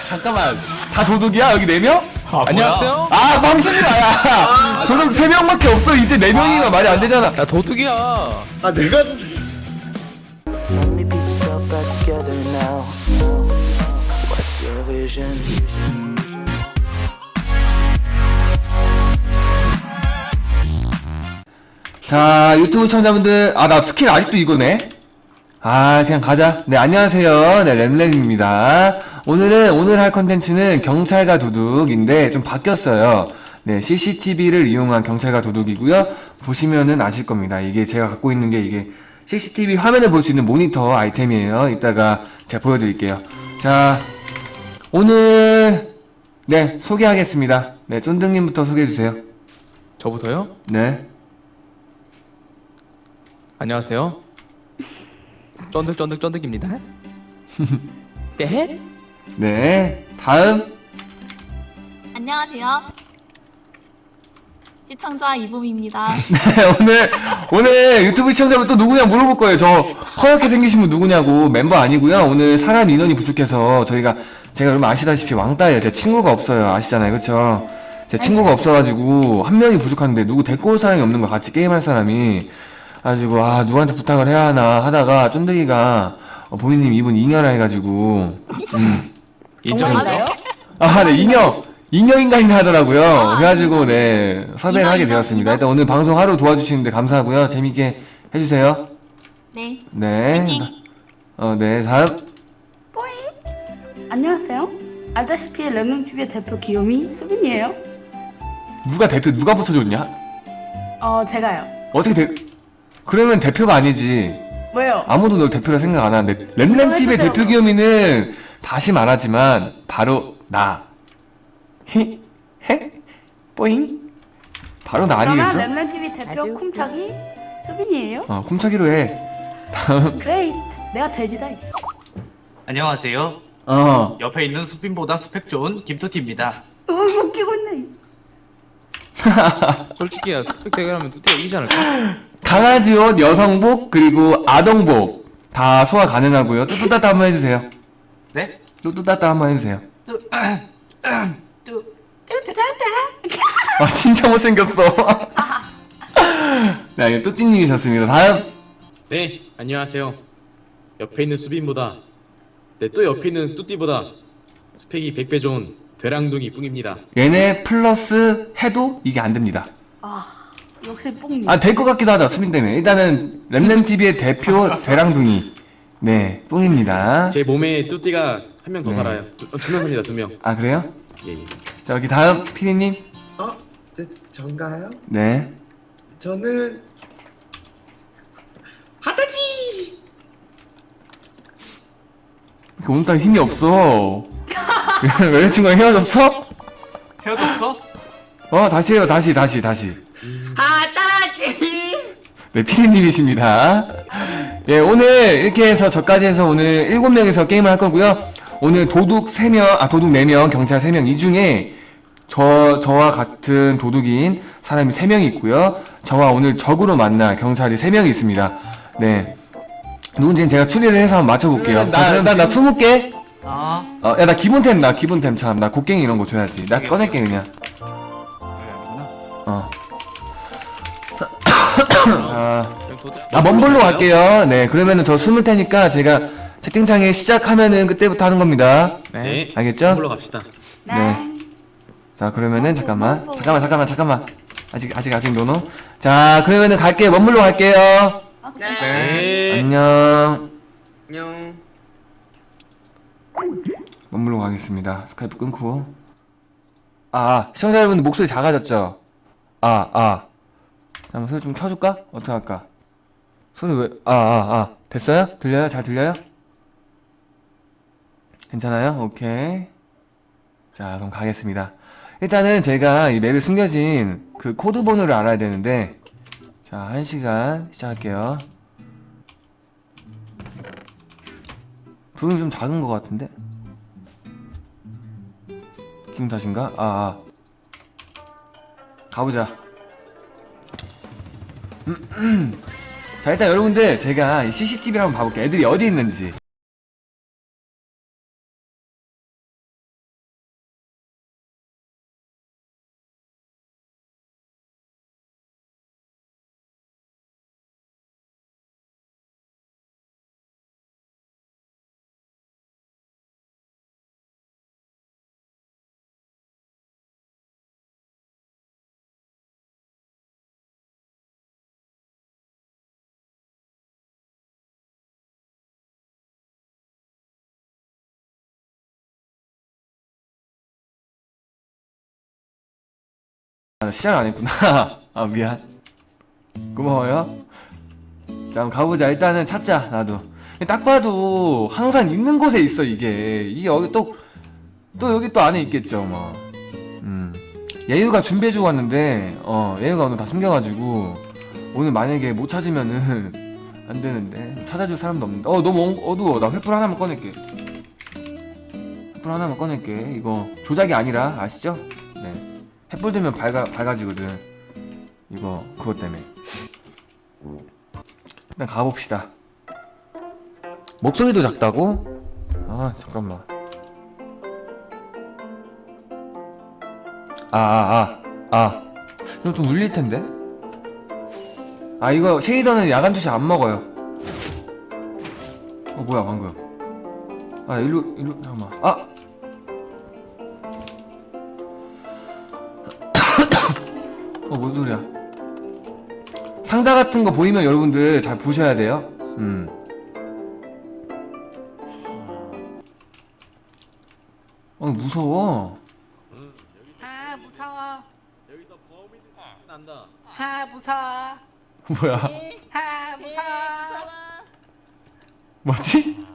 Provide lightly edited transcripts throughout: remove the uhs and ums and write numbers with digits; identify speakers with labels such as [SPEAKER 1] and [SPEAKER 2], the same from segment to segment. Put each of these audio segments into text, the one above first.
[SPEAKER 1] 잠깐만, 다 도둑이야? 여기 4명?
[SPEAKER 2] 안녕하세요.
[SPEAKER 1] 아, 뻥치지 마야. 도둑 3명밖에 없어. 이제 4명이면 말이 안 되잖아.
[SPEAKER 2] 나 도둑이야.
[SPEAKER 3] 아 내가
[SPEAKER 4] So many pieces all back together now. What's your vision?
[SPEAKER 1] 자, 유튜브 시청자분들, 아, 나 스킨 아직도 이거네? 아, 그냥 가자. 네, 안녕하세요. 네, 램램입니다. 오늘 할 컨텐츠는 경찰과 도둑인데, 좀 바뀌었어요. 네, CCTV를 이용한 경찰과 도둑이고요. 보시면은 아실 겁니다. 이게 제가 갖고 있는 게 이게 CCTV 화면을 볼 수 있는 모니터 아이템이에요. 이따가 제가 보여드릴게요. 자, 오늘, 네, 소개하겠습니다. 네, 쫀득님부터 소개해주세요.
[SPEAKER 2] 저부터요?
[SPEAKER 1] 네.
[SPEAKER 2] 안녕하세요. 쫀득쫀득쫀득입니다. 네?
[SPEAKER 1] 네, 다음.
[SPEAKER 5] 안녕하세요. 시청자 이봄입니다.
[SPEAKER 1] 네, 오늘 유튜브 시청자분 또 누구냐 물어볼 거예요. 저 허옇게 생기신 분 누구냐고. 멤버 아니고요. 오늘 사람 인원이 부족해서 제가 여러분 아시다시피 왕따예요. 제 친구가 없어요. 아시잖아요, 그렇죠? 제 친구가 없어가지고 한 명이 부족한데 누구 데리고 올 사람이 없는 거, 같이 게임할 사람이. 가지고 아, 누구한테 부탁을 해야 하나 하다가 쫀득이가 보미님 이분 잉여라 해가지고
[SPEAKER 2] 인정인가요?
[SPEAKER 1] 아, 네, 잉여인간이나 하더라고요. 그래가지고, 네, 섭외를 하게 되었습니다. 일단 오늘 방송 하루 도와주시는데 감사하고요. 재밌게 해주세요.
[SPEAKER 5] 네.
[SPEAKER 1] 네.
[SPEAKER 5] 화이팅!
[SPEAKER 1] 네, 다음.
[SPEAKER 6] 안녕하세요. 알다시피 램램TV의 대표 귀요미 수빈이에요.
[SPEAKER 1] 누가 붙여줬냐?
[SPEAKER 6] 제가요.
[SPEAKER 1] 어떻게 그러면 대표가 아니지.
[SPEAKER 6] 왜요?
[SPEAKER 1] 아무도 널 대표라 생각 안 하는데, 램램TV의
[SPEAKER 6] 해주세요,
[SPEAKER 1] 대표 기염이는 다시 말하지만, 바로 나. 히? 해? 뽀잉? 바로 나
[SPEAKER 6] 그러면
[SPEAKER 1] 아니겠어?
[SPEAKER 6] 램램TV 대표 쿰차기 수빈이에요.
[SPEAKER 1] 쿰차기로 해. 다음.
[SPEAKER 6] 그레이트. 내가 돼지다. 이씨.
[SPEAKER 7] 안녕하세요. 옆에 있는 수빈보다 스펙 좋은 김투티입니다.
[SPEAKER 6] 웃기고 있네. 이씨.
[SPEAKER 2] 솔직히 스펙 대결하면 뚜띠가 이기지 않을까?
[SPEAKER 1] 강아지 옷, 여성복, 그리고 아동복 다 소화 가능하고요. 뚜뚜따따 한번 해주세요.
[SPEAKER 7] 네?
[SPEAKER 1] 뚜뚜따따 한번 해주세요.
[SPEAKER 6] 뚜뚜따따.
[SPEAKER 1] 아, 진짜 못생겼어. 네, 이거 뚜띠님이셨습니다. 다음.
[SPEAKER 8] 네, 안녕하세요. 옆에 있는 수빈보다, 네, 또 옆에 있는 뚜띠보다 스펙이 100배 좋은 되랑둥이 뿡입니다.
[SPEAKER 1] 얘네 플러스 해도 이게 안 됩니다.
[SPEAKER 6] 역시 뿡님.
[SPEAKER 1] 아, 될 것 같기도 하다, 수빈 때문에. 일단은 램램TV의 대표 대랑둥이. 네, 뿡입니다.
[SPEAKER 8] 제 몸에 뚜띠가 한 명 더
[SPEAKER 1] 네.
[SPEAKER 8] 살아요. 두 명 삽니다, 2명.
[SPEAKER 1] 아, 그래요?
[SPEAKER 8] 예, 예.
[SPEAKER 1] 자, 여기 다음 피디님.
[SPEAKER 3] 네, 전가요?
[SPEAKER 1] 네.
[SPEAKER 3] 저는 하다지.
[SPEAKER 1] 오늘따라 힘이 없어. 여자친구랑 헤어졌어?
[SPEAKER 7] 헤어졌어?
[SPEAKER 1] 다시 해요. 다시.
[SPEAKER 3] 하다지.
[SPEAKER 1] 네, 피디님이십니다. 예, 오늘 이렇게 해서 저까지 해서 오늘 7명이서 게임을 할 거고요. 오늘 도둑 4명, 경찰 3명. 이 중에 저와 같은 도둑인 사람이 3명이 있고요. 저와 오늘 적으로 만날 경찰이 3명이 있습니다. 네. 누군지는 제가 추리를 해서 한번 맞춰볼게요. 나 20개? 야, 나 기본템 참. 나 곡괭이 이런 거 줘야지. 나 꺼낼게, 그냥. 먼볼로 갈게요. 네, 그러면은 저 숨을 테니까 제가 채팅창에 시작하면은 그때부터 하는 겁니다.
[SPEAKER 8] 네,
[SPEAKER 1] 알겠죠?
[SPEAKER 8] 물러 갑시다.
[SPEAKER 1] 네. 자, 그러면은 잠깐만. 아직 노노. 자, 그러면은 갈게요. 먼볼로 갈게요.
[SPEAKER 8] 네.
[SPEAKER 1] 안녕.
[SPEAKER 3] 안녕.
[SPEAKER 1] 먼볼로 가겠습니다. 스카이프 끊고. 시청자 여러분들 목소리 작아졌죠? 잠깐만, 소리 좀 켜줄까? 어떻게 할까? 소리 왜, 됐어요? 들려요? 잘 들려요? 괜찮아요? 오케이. 자, 그럼 가겠습니다. 일단은 제가 이 맵에 숨겨진 그 코드 번호를 알아야 되는데, 자, 1시간 시작할게요. 부금이 좀 작은 것 같은데? 기분 탓인가? 가보자. 자, 일단 여러분들 제가 이 CCTV를 한번 봐볼게요. 애들이 어디 있는지. 시작 안 했구나. 아 미안. 고마워요. 자 그럼 가보자. 일단은 찾자. 나도 딱 봐도 항상 있는 곳에 있어. 이게 여기 또 여기 또 안에 있겠죠 뭐. 예유가 준비해주고 왔는데 예유가 오늘 다 숨겨가지고 오늘 만약에 못 찾으면은 안 되는데 찾아줄 사람도 없는데 너무 어두워. 나 횃불 하나만 꺼낼게. 횃불 하나만 꺼낼게. 이거 조작이 아니라 아시죠? 네. 횃불 들면 밝아지거든. 이거 그것 때문에. 일단 가봅시다. 목소리도 작다고? 아 잠깐만. 이거 좀 울릴 텐데? 이거 쉐이더는 야간 투시 안 먹어요. 뭐야 방금. 일로 잠깐만. 뭔 소리야. 상자 같은 거 보이면 여러분들 잘 보셔야 돼요. 무서워.
[SPEAKER 3] 무서워.
[SPEAKER 8] 여기서 범인 난다.
[SPEAKER 3] 무서워.
[SPEAKER 1] 뭐야.
[SPEAKER 3] 무서워.
[SPEAKER 1] 뭐지?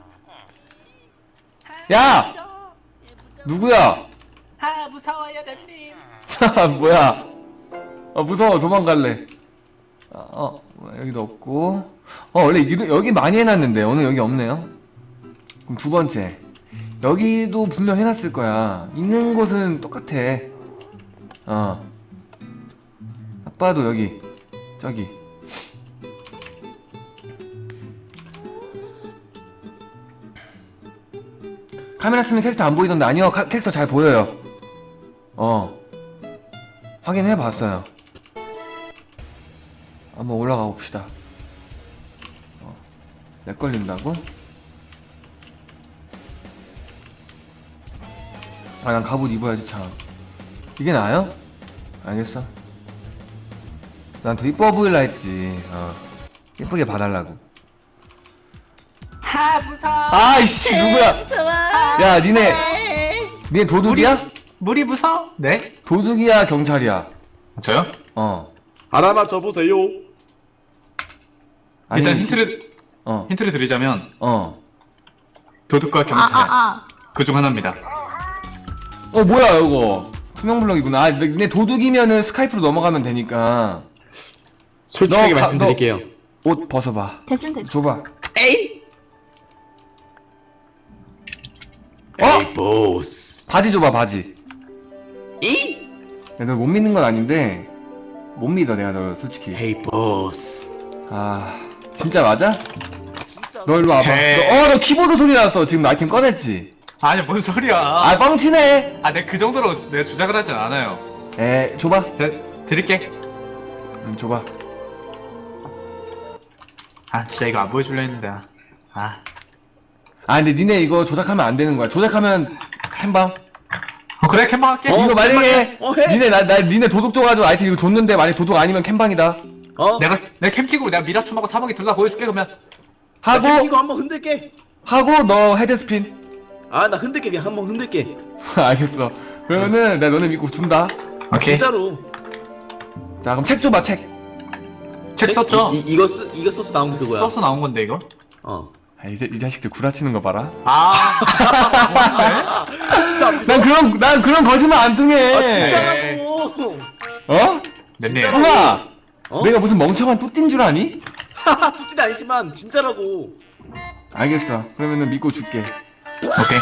[SPEAKER 1] 야! 누구야?
[SPEAKER 3] 무서워요, 렘님.
[SPEAKER 1] 뭐야? 무서워. 도망갈래. 여기도 없고. 원래 여기 많이 해놨는데 오늘 여기 없네요. 그럼 두 번째. 여기도 분명 해놨을 거야. 있는 곳은 똑같아. 딱 봐도 여기 저기. 카메라 쓰면 캐릭터 안 보이던데. 아니요, 캐릭터 잘 보여요. 확인해봤어요. 한번 올라가 봅시다. 렉 걸린다고? 난 갑옷 입어야지 참. 이게 나아요? 알겠어. 난 더 이뻐 보일라 했지. 예쁘게 봐달라고.
[SPEAKER 3] 무서워.
[SPEAKER 1] 아이씨 누구야? 야 니네 도둑이야?
[SPEAKER 7] 물이 무서워? 네?
[SPEAKER 1] 도둑이야 경찰이야?
[SPEAKER 7] 저요?
[SPEAKER 8] 하나만 줘보세요.
[SPEAKER 7] 일단
[SPEAKER 1] 아니,
[SPEAKER 7] 힌트를 드리자면 도둑과 경찰
[SPEAKER 5] 아.
[SPEAKER 7] 그중 하나입니다.
[SPEAKER 1] 뭐야 이거 투명 블럭이구나. 내 도둑이면은 스카이프로 넘어가면 되니까.
[SPEAKER 8] 솔직하게
[SPEAKER 1] 너
[SPEAKER 8] 말씀드릴게요.
[SPEAKER 1] 옷 벗어봐.
[SPEAKER 5] 됐음.
[SPEAKER 1] 줘봐.
[SPEAKER 8] 에이 보스.
[SPEAKER 1] 바지 줘봐 바지.
[SPEAKER 8] 이?
[SPEAKER 1] 너 못 믿는 건 아닌데 못 믿어 내가 너 솔직히.
[SPEAKER 8] 헤이 보스.
[SPEAKER 1] 진짜 맞아?
[SPEAKER 8] 진짜.
[SPEAKER 1] 너 일로 와봐.
[SPEAKER 7] 에이.
[SPEAKER 1] 너 키보드 소리 났어. 지금 아이템 꺼냈지?
[SPEAKER 7] 아니 뭔 소리야?
[SPEAKER 1] 뻥치네.
[SPEAKER 7] 내가 그 정도로 내가 조작을 하진 않아요.
[SPEAKER 1] 줘봐.
[SPEAKER 7] 드릴게.
[SPEAKER 1] 줘봐.
[SPEAKER 7] 진짜 이거 안 보여줄려 했는데.
[SPEAKER 1] 근데 니네 이거 조작하면 안 되는 거야. 조작하면 캠방.
[SPEAKER 7] 그래 캠방 할게.
[SPEAKER 1] 이거 만약에
[SPEAKER 8] 해.
[SPEAKER 1] 니네 도둑 줘가지고 아이템 이거 줬는데 만약에 도둑 아니면 캠방이다.
[SPEAKER 7] 내가 캠 찍고 내가 미라춤하고 사먹이 둘 다 보여줄게 그러면.
[SPEAKER 8] 이거 한번 흔들게.
[SPEAKER 1] 하고 너 헤드스핀.
[SPEAKER 8] 나 흔들게. 그냥 한번 흔들게.
[SPEAKER 1] 알겠어. 그러면은 내가 너네 믿고 준다.
[SPEAKER 7] 오케이.
[SPEAKER 8] 진짜로.
[SPEAKER 1] 자 그럼 책 줘봐 책.
[SPEAKER 7] 책 썼죠?
[SPEAKER 8] 이거 써서 나온 게 그거야.
[SPEAKER 7] 써서 나온 건데 이거.
[SPEAKER 1] 이제 이 자식들 구라치는 거 봐라.
[SPEAKER 8] 진짜.
[SPEAKER 1] 난 그런 거짓말 안 통해.
[SPEAKER 8] 진짜라고.
[SPEAKER 7] 넷님.
[SPEAKER 1] 형아. 내가 무슨 멍청한 뚜띠인 줄 아니?
[SPEAKER 8] 뚜띠는 아니지만 진짜라고.
[SPEAKER 1] 알겠어. 그러면은 믿고 줄게.
[SPEAKER 7] 오케이.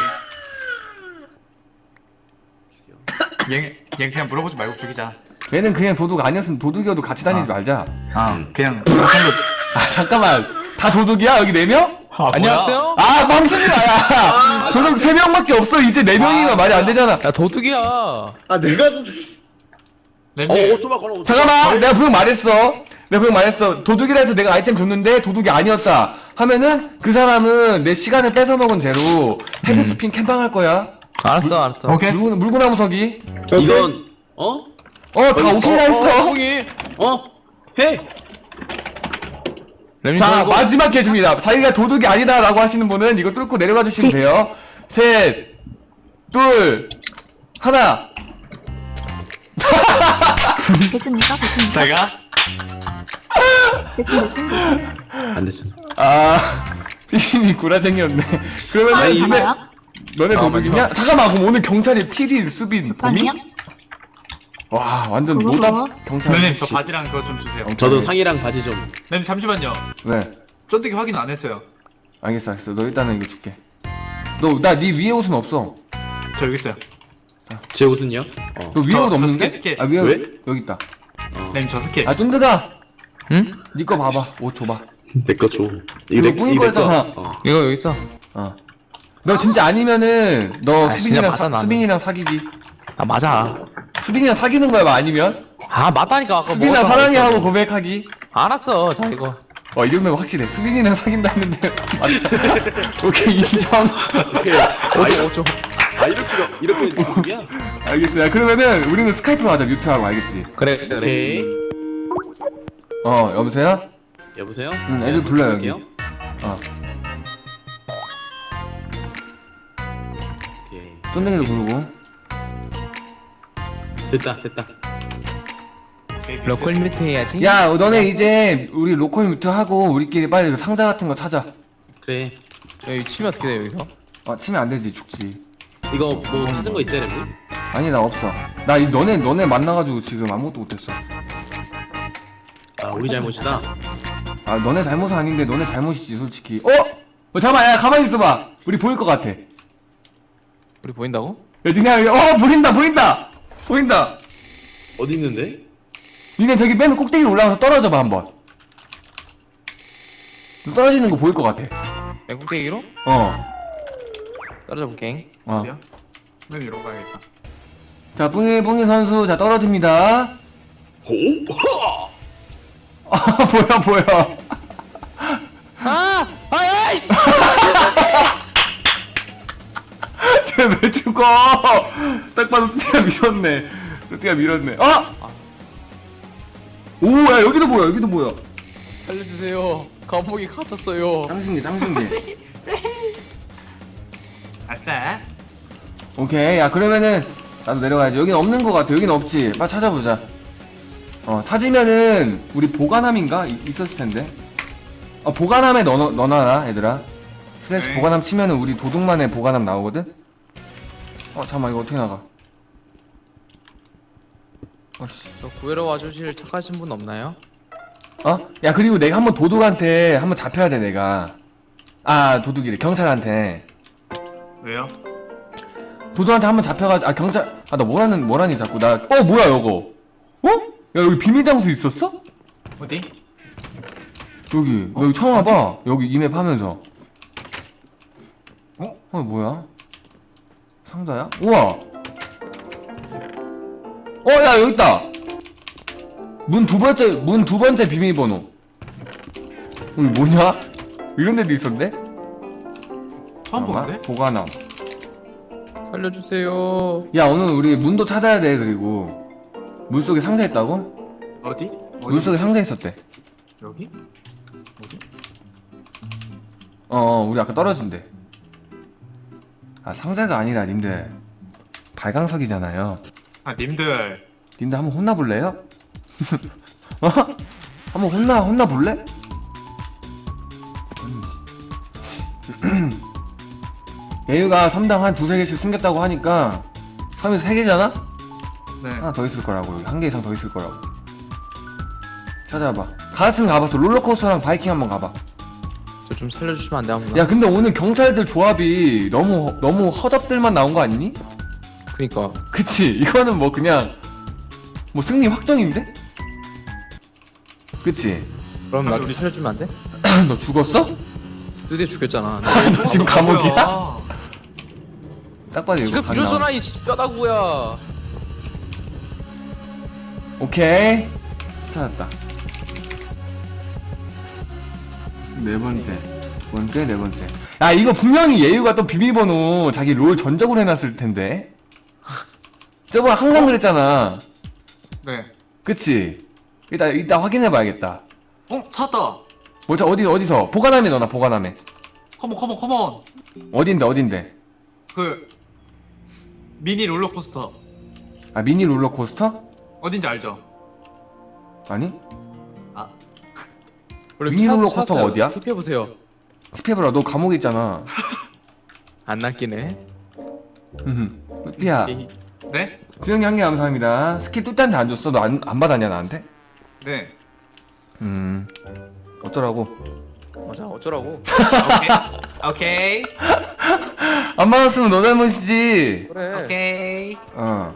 [SPEAKER 7] 얘 그냥 물어보지 말고 죽이자.
[SPEAKER 1] 얘는 그냥 도둑 아니었으면 도둑이어도 같이 다니지 말자.
[SPEAKER 7] 그냥
[SPEAKER 1] 잠깐만. 다 도둑이야? 여기 4명?
[SPEAKER 2] 안녕하세요.
[SPEAKER 1] 뻥치지 마. 도둑 3명밖에 없어. 이제 4명이면 말이 안 되잖아.
[SPEAKER 2] 야 도둑이야.
[SPEAKER 8] 내가
[SPEAKER 7] 넷님.
[SPEAKER 8] 좀 걸어.
[SPEAKER 1] 잠깐만. 내가 분명 말했어. 도둑이라 해서 내가 아이템 줬는데 도둑이 아니었다 하면은 그 사람은 내 시간을 뺏어먹은 죄로 헤드스핀 캠방 할 거야.
[SPEAKER 2] 알았어.
[SPEAKER 7] 오케이.
[SPEAKER 1] 물구나무 서기.
[SPEAKER 8] 이건
[SPEAKER 1] 다 오케이라 했어.
[SPEAKER 2] 거기.
[SPEAKER 8] 해.
[SPEAKER 2] 렘님
[SPEAKER 1] 자
[SPEAKER 2] 저 이거
[SPEAKER 1] 마지막 퀴즈입니다. 자기가 도둑이 아니다라고 하시는 분은 이거 뚫고 내려가 주시면 돼요. 셋, 둘, 하나.
[SPEAKER 5] 됐습니까? 됐습니까?
[SPEAKER 7] 제가
[SPEAKER 5] 됐습니다.
[SPEAKER 8] 안 됐음.
[SPEAKER 1] 아 피디님이 구라쟁이였네. 그러면은
[SPEAKER 8] 아니,
[SPEAKER 1] 너네
[SPEAKER 5] 가나요?
[SPEAKER 1] 너네 도둑이냐? 잠깐만 그럼 오늘 경찰이 필히 수빈 봄이?
[SPEAKER 5] 아니요?
[SPEAKER 1] 와 완전
[SPEAKER 5] 그거,
[SPEAKER 1] 노답
[SPEAKER 5] 그거.
[SPEAKER 1] 경찰.
[SPEAKER 7] 렘님 저 바지랑 그거 좀 주세요.
[SPEAKER 8] 저도 상의랑 바지 좀.
[SPEAKER 7] 렘님 잠시만요.
[SPEAKER 1] 왜?
[SPEAKER 7] 쫀득이 확인 안 했어요.
[SPEAKER 1] 알겠어 알겠어. 너 일단은 이거 줄게. 너 나 네 위에 옷은 없어.
[SPEAKER 7] 저 여기 있어요.
[SPEAKER 8] 제 옷은요?
[SPEAKER 1] 너 위에
[SPEAKER 7] 저
[SPEAKER 1] 옷 없는데?
[SPEAKER 7] 스킬.
[SPEAKER 1] 아 위에
[SPEAKER 8] 왜?
[SPEAKER 1] 여기 있다.
[SPEAKER 7] 렘님 저 스킬.
[SPEAKER 1] 아 쫀드가
[SPEAKER 2] 응?
[SPEAKER 1] 네 거 봐봐. 옷 줘봐.
[SPEAKER 8] 내 거 줘.
[SPEAKER 1] 이거 뿌인
[SPEAKER 8] 이거 내
[SPEAKER 1] 거였잖아.
[SPEAKER 8] 거.
[SPEAKER 2] 이거 여기 있어.
[SPEAKER 1] 어. 너 진짜 아니면은 너
[SPEAKER 2] 진짜
[SPEAKER 1] 수빈이랑
[SPEAKER 2] 맞아, 나는.
[SPEAKER 1] 수빈이랑 사귀기.
[SPEAKER 2] 아 맞아.
[SPEAKER 1] 수빈이랑 사귀는 거야 뭐 아니면?
[SPEAKER 2] 아 맞다니까 아까
[SPEAKER 1] 수빈이랑
[SPEAKER 2] 먹었잖아,
[SPEAKER 1] 사랑해
[SPEAKER 2] 이거.
[SPEAKER 1] 하고 고백하기.
[SPEAKER 2] 알았어. 자 이거.
[SPEAKER 1] 이 정도면 확실해. 수빈이랑 사귄다 했는데 맞다. 오케이 인정.
[SPEAKER 8] 오케이.
[SPEAKER 2] 어쩌.
[SPEAKER 8] 아 이렇게 누구야?
[SPEAKER 1] 알겠어. 야 그러면은 우리는 스카이프로 하자. 뮤트하고 알겠지?
[SPEAKER 2] 그래 그래.
[SPEAKER 8] 오케이.
[SPEAKER 1] 여보세요?
[SPEAKER 8] 여보세요?
[SPEAKER 1] 응,
[SPEAKER 8] 제가
[SPEAKER 1] 애들 불러요,
[SPEAKER 8] 부탁드릴게요.
[SPEAKER 1] 여기. 어.
[SPEAKER 8] 오케이.
[SPEAKER 1] 쫀댕이도 부르고.
[SPEAKER 8] 됐다.
[SPEAKER 2] 로컬 뮤트 해야지.
[SPEAKER 1] 야 너네 이제 우리 로컬 뮤트 하고 우리끼리 빨리 그 상자 같은 거 찾아.
[SPEAKER 8] 그래.
[SPEAKER 2] 여기 치면 어떻게 돼 여기서?
[SPEAKER 1] 치면 안 되지 죽지.
[SPEAKER 8] 이거 뭐 찾은 거 있어요, 렘님?
[SPEAKER 1] 아니 나 없어. 나 너네 만나가지고 지금 아무것도 못했어.
[SPEAKER 8] 아 우리 잘못이다.
[SPEAKER 1] 아 너네 잘못은 아닌데 너네 잘못이지 솔직히. 잠깐만 야 가만히 있어봐. 우리 보일 것 같아. 야
[SPEAKER 2] 우리 보인다고?
[SPEAKER 1] 니네 보인다.
[SPEAKER 8] 어디 있는데?
[SPEAKER 1] 니네 저기 맨 꼭대기로 올라가서 떨어져봐 한번. 너 떨어지는 거 보일 것 같아.
[SPEAKER 2] 내 꼭대기로? 떨어져 볼게.
[SPEAKER 7] 렘 이러고 가야겠다.
[SPEAKER 1] 자 뿡이 선수 자 떨어집니다. 뭐야.
[SPEAKER 2] 아이씨.
[SPEAKER 1] 쟤 왜 죽어? 딱 봐도 뚜띠가 밀었네. 오, 야 여기도 뭐야?
[SPEAKER 2] 살려주세요. 감옥에 갇혔어요.
[SPEAKER 1] 짱신기.
[SPEAKER 7] 아싸.
[SPEAKER 1] 오케이, 야 그러면은 나도 내려가야지. 여긴 없는 것 같아. 여긴 없지. 빨리 찾아보자. 찾으면은 우리 보관함인가 있었을 텐데. 보관함에 넣어놔라 얘들아. 슬래시
[SPEAKER 7] 네.
[SPEAKER 1] 보관함 치면은 우리 도둑만의 보관함 나오거든. 잠깐만 이거 어떻게 나가? 씨.
[SPEAKER 2] 저 구해러 와주실 착하신 분 없나요?
[SPEAKER 1] 야 그리고 내가 한번 도둑한테 한번 잡혀야 돼 내가. 도둑이래. 경찰한테.
[SPEAKER 7] 왜요?
[SPEAKER 1] 도둑한테 한번 잡혀가지고 경찰 나 뭐라니 자꾸 나 뭐야 이거. 야 여기 비밀 장소 있었어?
[SPEAKER 7] 어디?
[SPEAKER 1] 여기 나 여기 처음 와봐. 여기 이맵 하면서. 뭐야? 상자야? 우와. 야 여기 있다. 문 두 번째 비밀번호. 여기 뭐냐? 이런 데도 있었네?
[SPEAKER 7] 처음 보는데?
[SPEAKER 1] 보관함.
[SPEAKER 2] 살려주세요.
[SPEAKER 1] 야 오늘 우리 문도 찾아야 돼. 그리고 물속에 상자 있다고?
[SPEAKER 7] 어디?
[SPEAKER 1] 물속에 상자 있었대.
[SPEAKER 7] 여기?
[SPEAKER 1] 우리 아까 떨어진대. 상자가 아니라 님들 발광석이잖아요.
[SPEAKER 7] 님들.
[SPEAKER 1] 님들 한번 혼나볼래요? 한번 혼나볼래? 예유가 섬당 한 두세 개씩 숨겼다고 하니까 섬에서 세 개잖아?
[SPEAKER 7] 네.
[SPEAKER 1] 하나 더 있을 거라고. 한 개 이상 더 있을 거라고. 찾아봐. 가스는 가봤어. 롤러코스터랑 바이킹 한번 가봐.
[SPEAKER 2] 저 좀 살려주시면 안 돼, 아무나?
[SPEAKER 1] 야 근데 오늘 경찰들 조합이 너무 허접들만 나온 거 아니니?
[SPEAKER 2] 그니까.
[SPEAKER 1] 그치? 이거는 뭐 그냥 뭐 승리 확정인데? 그치?
[SPEAKER 2] 그럼 나 좀 살려주면 안 돼?
[SPEAKER 1] 너 죽었어?
[SPEAKER 2] 드디어 죽였잖아.
[SPEAKER 1] 너 지금 감옥이야? 딱 봐도 이거
[SPEAKER 2] 지금
[SPEAKER 1] 간
[SPEAKER 2] 비로소나
[SPEAKER 1] 나와.
[SPEAKER 2] 이 뼈다구야.
[SPEAKER 1] 오케이 찾았다. 네 번째 야 이거 분명히 예유가 또 비밀번호 자기 롤 전적으로 해놨을 텐데. 저번에 항상 그랬잖아.
[SPEAKER 7] 네.
[SPEAKER 1] 그치? 이따 확인해봐야겠다.
[SPEAKER 7] 찾았다.
[SPEAKER 1] 어디서? 보관함에 넣어놔. 보관함에.
[SPEAKER 7] 컴온.
[SPEAKER 1] 어딘데?
[SPEAKER 7] 그 미니 롤러코스터
[SPEAKER 1] 미니 롤러코스터?
[SPEAKER 7] 어딘지 알죠?
[SPEAKER 1] 아니?
[SPEAKER 2] 원래
[SPEAKER 1] 미니롤러
[SPEAKER 2] 찾았어요.
[SPEAKER 1] 코스터가 어디야?
[SPEAKER 2] tip해보세요.
[SPEAKER 1] 티페브라 너 감옥에 있잖아.
[SPEAKER 2] 안 낚이네.
[SPEAKER 1] 뚜띠야.
[SPEAKER 7] 네?
[SPEAKER 1] 수영이 한 개 감사합니다. 스킬 뚜띠한테 안 줬어? 너 안 받았냐 나한테?
[SPEAKER 7] 네.
[SPEAKER 1] 어쩌라고?
[SPEAKER 2] 맞아, 어쩌라고.
[SPEAKER 7] 오케이.
[SPEAKER 1] 안 받았으면 너 잘못이지.
[SPEAKER 2] 그래.
[SPEAKER 7] 오케이.
[SPEAKER 1] 어.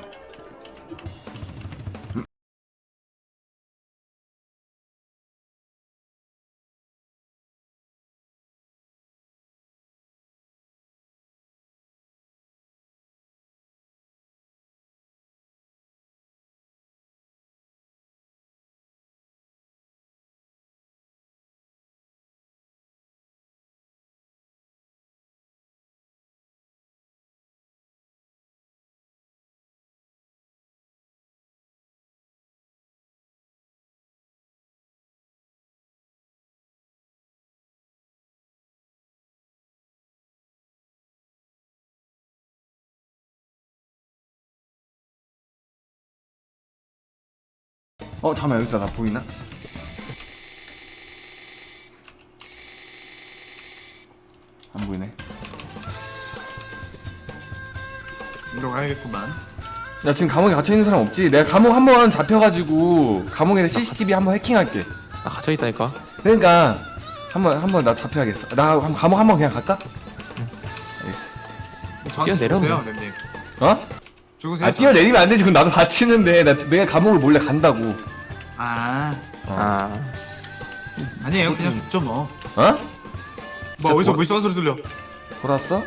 [SPEAKER 1] 잠깐만 여기다 나 보이나? 안 보이네.
[SPEAKER 7] 이리로 가야겠구만.
[SPEAKER 1] 야 지금 감옥에 갇혀있는 사람 없지? 내가 감옥 한번 잡혀가지고 감옥에 CCTV 한번 해킹할게.
[SPEAKER 2] 나 갇혀있다니까.
[SPEAKER 1] 그러니까 한번 나 잡혀야겠어. 나 감옥 한번 그냥 갈까? 알겠어.
[SPEAKER 2] 뛰어내려,
[SPEAKER 7] 죽으세요,
[SPEAKER 2] 그냥.
[SPEAKER 7] 렘님.
[SPEAKER 1] 어?
[SPEAKER 7] 죽으세요.
[SPEAKER 1] 아 뛰어내리면 안 되지. 그럼 나도 갇히는데 내가 감옥을 몰래 간다고.
[SPEAKER 7] 아니에요. 그냥 죽죠 뭐.
[SPEAKER 1] 어?
[SPEAKER 7] 뭐 어디서 뭐 이상한 소리 들려?
[SPEAKER 1] 돌았어?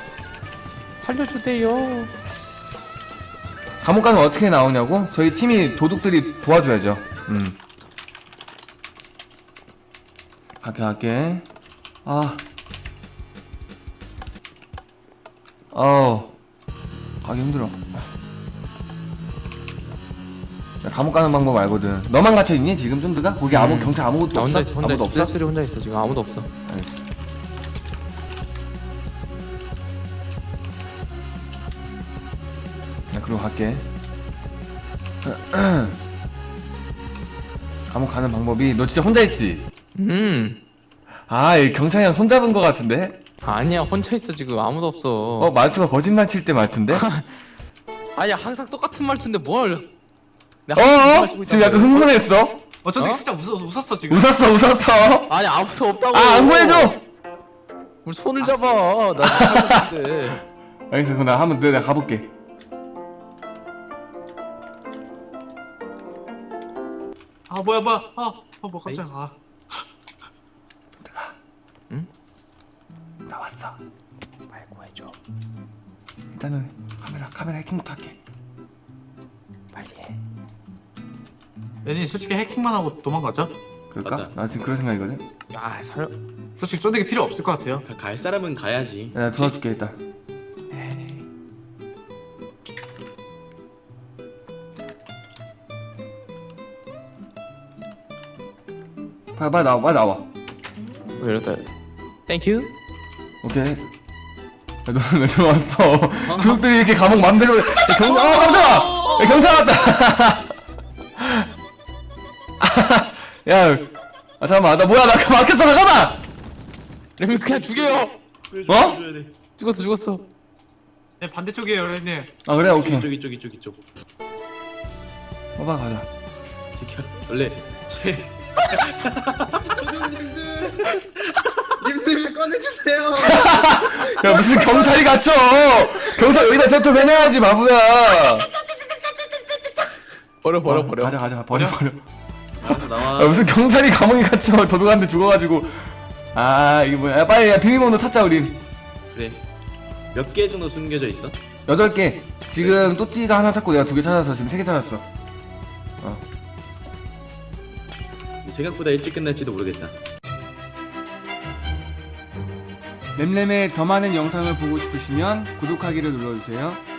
[SPEAKER 2] 살려주세요.
[SPEAKER 1] 감옥 가면 어떻게 나오냐고? 저희 팀이 도둑들이 도와줘야죠. 갈게. 가기 힘들어. 야, 감옥 가는 방법 알거든. 너만 갇혀있니 지금 쫀드가? 거기 경찰 아무것도
[SPEAKER 2] 나 혼자
[SPEAKER 1] 없어?
[SPEAKER 2] 있어. 혼자
[SPEAKER 1] 아무도
[SPEAKER 2] 있어.
[SPEAKER 1] 없어?
[SPEAKER 2] 쓸쓸히 혼자 있어. 지금 아무도 없어.
[SPEAKER 1] 알겠어. 나 그리고 갈게. 감옥 가는 방법이 너 진짜 혼자 있지? 이 경찰이랑 손잡은 거 같은데?
[SPEAKER 2] 아니야, 혼자 있어 지금. 아무도 없어.
[SPEAKER 1] 말투가 거짓말 칠 때 말투인데?
[SPEAKER 2] 아니야, 항상 똑같은 말투인데 뭘? 내가 항상 말투고
[SPEAKER 1] 지금
[SPEAKER 2] 있단
[SPEAKER 1] 약간
[SPEAKER 2] 말이야.
[SPEAKER 1] 흥분했어?
[SPEAKER 7] 어쩐지
[SPEAKER 2] 어?
[SPEAKER 7] 살짝 웃었어 지금.
[SPEAKER 1] 웃었어.
[SPEAKER 2] 아니, 아무도 없다고.
[SPEAKER 1] 안 구해줘!
[SPEAKER 2] 뭘 손을 잡아. 나 살고 있는데.
[SPEAKER 1] 알겠어. 그럼 나 한번 내가 가볼게.
[SPEAKER 7] 뭐야. 뭐 깜짝이야.
[SPEAKER 1] 나 왔어. 말 구해줘. 일단은 카메라 해킹부터 할게. 빨리 해.
[SPEAKER 7] 렘님 솔직히 해킹만 하고 도망가죠?
[SPEAKER 1] 그럴까?
[SPEAKER 8] 맞아.
[SPEAKER 1] 나 지금 그런 생각이거든.
[SPEAKER 2] 야,
[SPEAKER 7] 솔직히 쫀득이 필요 없을 것 같아요.
[SPEAKER 8] 갈 사람은 가야지.
[SPEAKER 1] 야, 나 도와줄게 일단. 빨리 나와.
[SPEAKER 2] 왜 이러다? 땡큐.
[SPEAKER 1] 오케이. 야, 너는 왜 들어왔어? 도둑들이 이렇게 감옥 맘대로. 깜짝아! 야, 경찰 왔다! 야, 잠깐만. 나 뭐야? 나 막혔어. 잠깐만!
[SPEAKER 2] 레미 그냥 죽여요.
[SPEAKER 1] 어?
[SPEAKER 2] 죽었어.
[SPEAKER 7] 네 반대쪽이에요 렘님.
[SPEAKER 1] 그래, 오케이.
[SPEAKER 8] 이쪽.
[SPEAKER 1] 가자.
[SPEAKER 8] 원래
[SPEAKER 5] 님들 꺼내주세요.
[SPEAKER 1] 야, 무슨 경찰이 갇혀! 경찰 여기다 세트 배내야지, 바보야!
[SPEAKER 2] 버려.
[SPEAKER 1] 가자. 버려.
[SPEAKER 8] 알아서 나와.
[SPEAKER 1] 무슨 경찰이 감옥에 갇혀. 도둑한테 죽어가지고. 이게 뭐야. 빨리 비밀번호 찾자, 우린.
[SPEAKER 8] 그래. 몇 개 정도 숨겨져 있어?
[SPEAKER 1] 8개. 지금 또띠가 하나 찾고 내가 2개 찾았어. 지금 3개 찾았어.
[SPEAKER 8] 생각보다 일찍 끝날지도 모르겠다.
[SPEAKER 1] 램램의 더 많은 영상을 보고 싶으시면 구독하기를 눌러주세요.